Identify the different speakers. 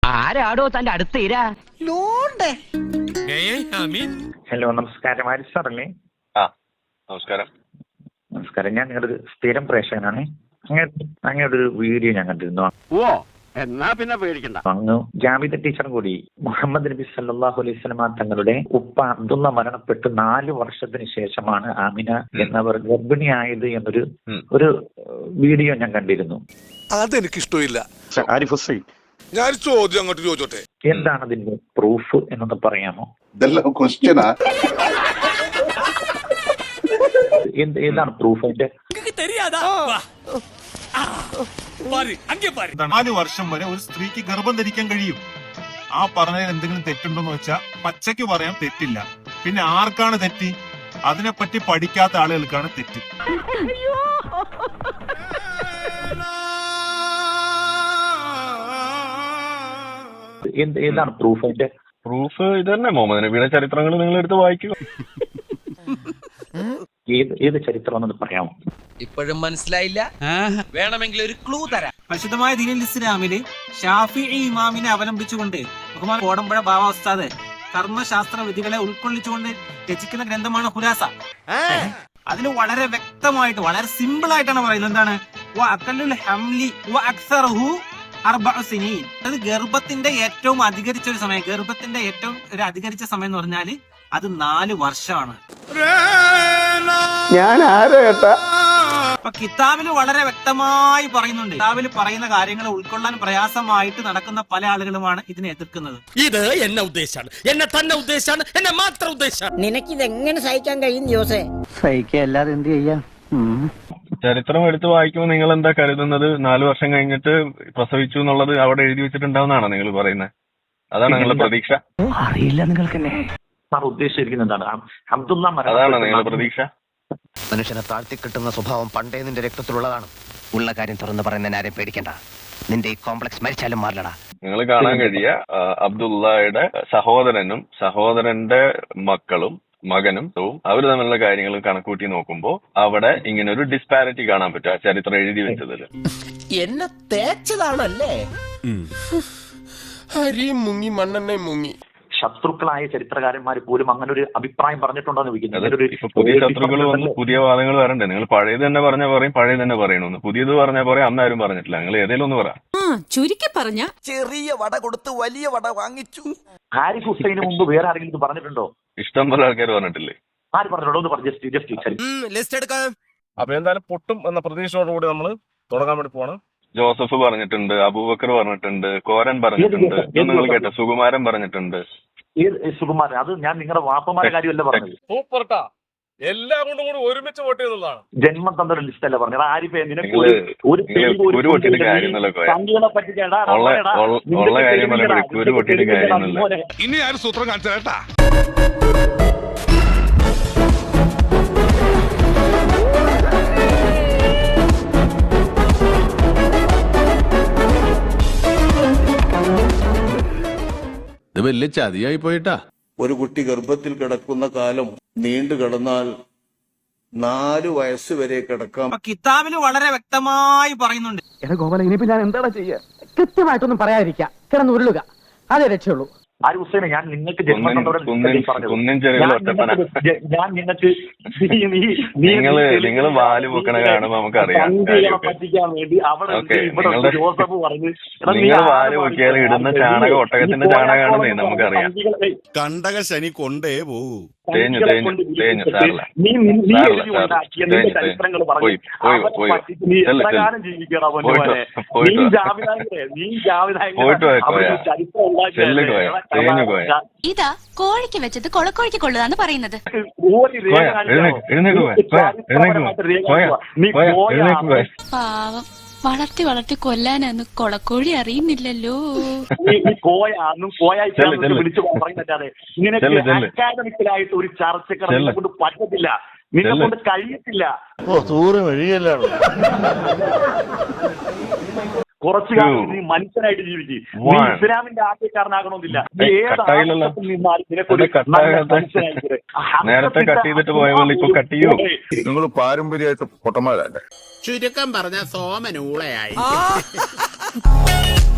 Speaker 1: ആരാടോ തന്റെ അടുത്ത് ഇരാ?
Speaker 2: ഹലോ, നമസ്കാരം. ആരിഫ് സാറല്ലേ?
Speaker 3: നമസ്കാരം.
Speaker 2: നമസ്കാരം. ഞാൻ നിങ്ങളുടെ സ്ഥിരം പ്രേക്ഷകനാണ്. അങ്ങനെ ഒരു വീഡിയോ ഞാൻ കണ്ടിരുന്നു.
Speaker 1: എന്നാ പിന്നെ പേടിക്കണ്ട.
Speaker 2: അങ്ങ് ജാമിദ ടീച്ചറും കൂടി മുഹമ്മദ് നബി സല്ലല്ലാഹു അലൈഹി വസല്ലമ തങ്ങളുടെ ഉപ്പ അബ്ദുള്ള മരണപ്പെട്ട് 4 വർഷത്തിന് ശേഷമാണ് ആമിന എന്നവർ ഗർഭിണിയായത് എന്നൊരു വീഡിയോ ഞാൻ കണ്ടിരുന്നു.
Speaker 4: അതെനിക്ക് ഇഷ്ടമില്ല.
Speaker 5: ആരിഫ് ഹുസൈൻ,
Speaker 4: ഞാൻ ചോദ്യം അങ്ങോട്ട് ചോദിച്ചോട്ടെ,
Speaker 2: എന്താണ് അതിന്റെ പ്രൂഫ് എന്നൊന്ന് പറയാമോ? ഏതാണ് പ്രൂഫ്? അതിന്റെ
Speaker 6: 4 വർഷം വരെ ഒരു സ്ത്രീക്ക് ഗർഭം ധരിക്കാൻ കഴിയും. ആ പറഞ്ഞതിൽ എന്തെങ്കിലും തെറ്റുണ്ടോന്ന് വെച്ചാൽ പച്ചയ്ക്ക് പറയാൻ തെറ്റില്ല. പിന്നെ ആർക്കാണ് തെറ്റ്? അതിനെപ്പറ്റി പഠിക്കാത്ത ആളുകൾക്കാണ് തെറ്റ്.
Speaker 2: ഏതാണ് പ്രൂഫ്? അതിന്റെ
Speaker 3: പ്രൂഫ് ഇത് തന്നെ. മുഹമ്മദ് നബിയുടെ ചരിത്രങ്ങൾ നിങ്ങൾ എടുത്ത് വായിക്കുക.
Speaker 2: ഏത് ചരിത്രമെന്ന് പറയാമോ?
Speaker 7: ഇപ്പോഴും മനസ്സിലായില്ല? വേണമെങ്കിൽ ഒരു ക്ലൂ തരാം.
Speaker 8: പരിശുദ്ധമായ ദീനുൽ ഇസ്ലാമില് ഷാഫിഈ ഇമാമിനെ അവലംബിച്ചുകൊണ്ട് ബഹുമാൻ കോടമ്പുഴ ബാവ ഉസ്താദ് കർമ്മശാസ്ത്ര വിധികളെ ഉൾക്കൊള്ളിച്ചുകൊണ്ട് രചിക്കുന്ന ഗ്രന്ഥമാണ് ഖുലാസ. അതിൽ വളരെ വ്യക്തമായിട്ട്, വളരെ സിമ്പിൾ ആയിട്ടാണ് പറയുന്നത്. എന്താണ്? അത് ഗർഭത്തിന്റെ ഏറ്റവും അധികരിച്ച ഒരു സമയം, ഗർഭത്തിന്റെ ഏറ്റവും അധികരിച്ച സമയം എന്ന് പറഞ്ഞാല് അത് 4 വർഷമാണ്.
Speaker 5: ഞാൻ ആരേട്ടാ?
Speaker 8: അപ്പൊ കിതാബിൽ വളരെ വ്യക്തമായി പറയുന്നുണ്ട്. കിതാബിൽ പറയുന്ന കാര്യങ്ങൾ ഉൾക്കൊള്ളാൻ പ്രയാസമായിട്ട് നടക്കുന്ന പല ആളുകളുമാണ് ഇതിനെ എതിർക്കുന്നത്.
Speaker 7: ഇത് എന്നെ ഉദ്ദേശാണ്, എന്നെ തന്നെ ഉദ്ദേശാണ്, എന്നെ മാത്രം ഉദ്ദേശാണ്.
Speaker 9: നിനക്കിത് എങ്ങനെ സഹിക്കാൻ കഴിയും ജോസേ?
Speaker 1: സഹിക്കല്ലാതെ എന്ത് ചെയ്യാ?
Speaker 3: ചരിത്രം എടുത്ത് വായിക്കുമ്പോൾ നിങ്ങൾ എന്താ കരുതുന്നത്? 4 വർഷം കഴിഞ്ഞിട്ട് പ്രസവിച്ചു എന്നുള്ളത് അവിടെ എഴുതി വെച്ചിട്ടുണ്ടാവുന്നതാണോ നിങ്ങൾ പറയുന്നത്? അതാണ് നിങ്ങളുടെ പ്രതീക്ഷ?
Speaker 1: അറിയില്ല നിങ്ങൾക്കെന്നെ.
Speaker 2: സാർ ഉദ്ദേശിച്ചിരിക്കുന്നത് എന്താണ്? അബ്ദുള്ള
Speaker 3: അതാണോ നിങ്ങളുടെ പ്രതീക്ഷ?
Speaker 1: മനുഷ്യനെ താഴ്ത്തി കിട്ടുന്ന സ്വഭാവം പണ്ടേ നിന്റെ രക്തത്തിലുള്ളതാണ്. ഉള്ള കാര്യം തുറന്ന് പറയുന്നതിന് ആരെയും പേടിക്കണ്ട. നിന്റെ ഈ കോംപ്ലക്സ് മരിച്ചാലും മാറില്ലടാ.
Speaker 3: നിങ്ങൾ കാണാൻ കഴിയ അബ്ദുള്ളയുടെ സഹോദരനും സഹോദരന്റെ മകനും അവർ തമ്മിലുള്ള കാര്യങ്ങൾ കണക്കൂട്ടി നോക്കുമ്പോൾ അവിടെ ഇങ്ങനെ ഒരു ഡിസ്പാരിറ്റി കാണാൻ പറ്റും ആ ചരിത്രം എഴുതി വെച്ചതിൽ.
Speaker 7: എന്നെ തേച്ചതാണല്ലേ?
Speaker 4: അരിയും മുങ്ങി മണ്ണെണ്ണയും മുങ്ങി.
Speaker 2: ശത്രുക്കളായ ചരിത്രകാരന്മാർ പോലും അങ്ങനെ ഒരു അഭിപ്രായം പറഞ്ഞിട്ടുണ്ടോ?
Speaker 3: ഇപ്പൊ പുതിയ ശത്രുക്കൾ വന്ന് പുതിയ വാദങ്ങൾ വരണ്ടേ? നിങ്ങൾ പഴയത് തന്നെ പറഞ്ഞാൽ പറയും, പഴയത് തന്നെ പറയണമെന്ന്. പുതിയത് പറഞ്ഞാൽ പറയാം, അന്നാരും പറഞ്ഞിട്ടില്ല. നിങ്ങൾ ഏതെങ്കിലും ഒന്ന് പറ.
Speaker 9: ചുരുക്കി പറഞ്ഞ
Speaker 7: ചെറിയ വട കൊടുത്ത് വലിയ വട വാങ്ങിച്ചു.
Speaker 2: ആരിഫ് ഹുസൈന് മുമ്പ് വേറെ ആരെങ്കിലും പറഞ്ഞിട്ടുണ്ടോ?
Speaker 3: ഇഷ്ടം പോലെ ആൾക്കാർ പറഞ്ഞിട്ടില്ലേ?
Speaker 2: ആര് പറഞ്ഞിട്ടുണ്ടോ? ഒന്ന് പറഞ്ഞു.
Speaker 7: ലിസ്റ്റ് എടുക്കാം.
Speaker 6: അപ്പൊ എന്തായാലും പൊട്ടും എന്ന പ്രതീക്ഷയോടുകൂടി നമ്മൾ തുടങ്ങാൻ വേണ്ടി പോവാണ്.
Speaker 3: ജോസഫ് പറഞ്ഞിട്ടുണ്ട്, അബൂബക്കർ പറഞ്ഞിട്ടുണ്ട്, കോരൻ പറഞ്ഞിട്ടുണ്ട്, നിങ്ങൾ കേട്ടോ, സുകുമാരൻ പറഞ്ഞിട്ടുണ്ട്.
Speaker 2: സുകുമാരൻ? അത് ഞാൻ നിങ്ങളുടെ വാപ്പമാരുടെ കാര്യമല്ല പറഞ്ഞത്.
Speaker 6: സൂപ്പർട്ടാ, എല്ലാം കൊണ്ടും കൂടി ഒരുമിച്ച് വോട്ട് ചെയ്തതാണ്.
Speaker 2: ജന്മം തന്ന ലിസ്റ്റ് അല്ല പറഞ്ഞത്. ആരിഫ് നിനക്ക്
Speaker 3: ഒരു പൊട്ടിയിട്ട് കാര്യമൊന്നുമില്ല. ഉള്ള കാര്യം പറയുമ്പോഴേക്കും ഒരു പൊട്ടിയിട്ട് കാര്യമൊന്നുമില്ല.
Speaker 4: ഇനി ആരും സൂത്രം കാണിച്ചാ
Speaker 10: ഇത് വലിയ ചതിയായി പോയിട്ടാ.
Speaker 11: ഒരു കുട്ടി ഗർഭത്തിൽ കിടക്കുന്ന കാലം നീണ്ടു കിടന്നാൽ 4 വയസ്സ് വരെ കിടക്കാം.
Speaker 8: കിതാബിൽ വളരെ വ്യക്തമായി പറയുന്നുണ്ട്.
Speaker 1: ഗോപാല, ഇനിയിപ്പോ ഞാൻ എന്താ ചെയ്യാ? കൃത്യമായിട്ടൊന്നും പറയാതിരിക്കുക, കിടന്ന് ഉരുളുക, അതേ രക്ഷയുള്ളൂ.
Speaker 2: ആരിഫ് ഹുസൈനെ, ഞാൻ നിങ്ങൾക്ക് ജന്മം ഞാൻ നിങ്ങൾക്ക്
Speaker 3: നിങ്ങൾ വാല് പൊക്കണ കാണുമ്പോ നമുക്കറിയാം.
Speaker 2: പറ്റിക്കാൻ വേണ്ടി അവിടെ ജോസഫ് പറഞ്ഞു,
Speaker 3: നിങ്ങൾ വാല് പൊക്കിയാൽ ഇടുന്ന ചാണകം ഒട്ടകത്തിന്റെ ചാണകമാണെന്നേ നമുക്കറിയാം.
Speaker 4: കണ്ടക ശനി കൊണ്ടേ പോകൂ.
Speaker 3: തേഞ്ഞു
Speaker 9: ഇതാ കോഴിക്ക് വെച്ചത് കൊളക്കോഴിക്ക് കൊള്ളുതാന്ന് പറയുന്നത്. പാവം, വളർത്തി കൊല്ലാനാന്ന് കൊളക്കോഴി അറിയുന്നില്ലല്ലോ.
Speaker 2: വിളിച്ചു പറയുന്നല്ലാതെ ഇങ്ങനെ അക്കാദമിക്കലായിട്ട് ഒരു ചർച്ചകളെ കൊണ്ട് പറ്റത്തില്ല, നിന്നെ കൊണ്ട് കഴിയത്തില്ല. കുറച്ചു കാലം നീ മനുഷ്യനായിട്ട് ജീവിക്കും. നീ ഇസ്ലാമിന്റെ ആദ്യക്കാരനാകണമെന്നില്ല.
Speaker 3: നേരത്തെ കട്ട് ചെയ്തിട്ട് പോയപ്പോൾ ഇപ്പൊ കട്ട് ചെയ്യൂ.
Speaker 4: നിങ്ങൾ പാരമ്പര്യമായിട്ട് പൊട്ടന്മാരല്ലേ?
Speaker 7: ചുരുക്കം പറഞ്ഞ സോമനൂളയായി.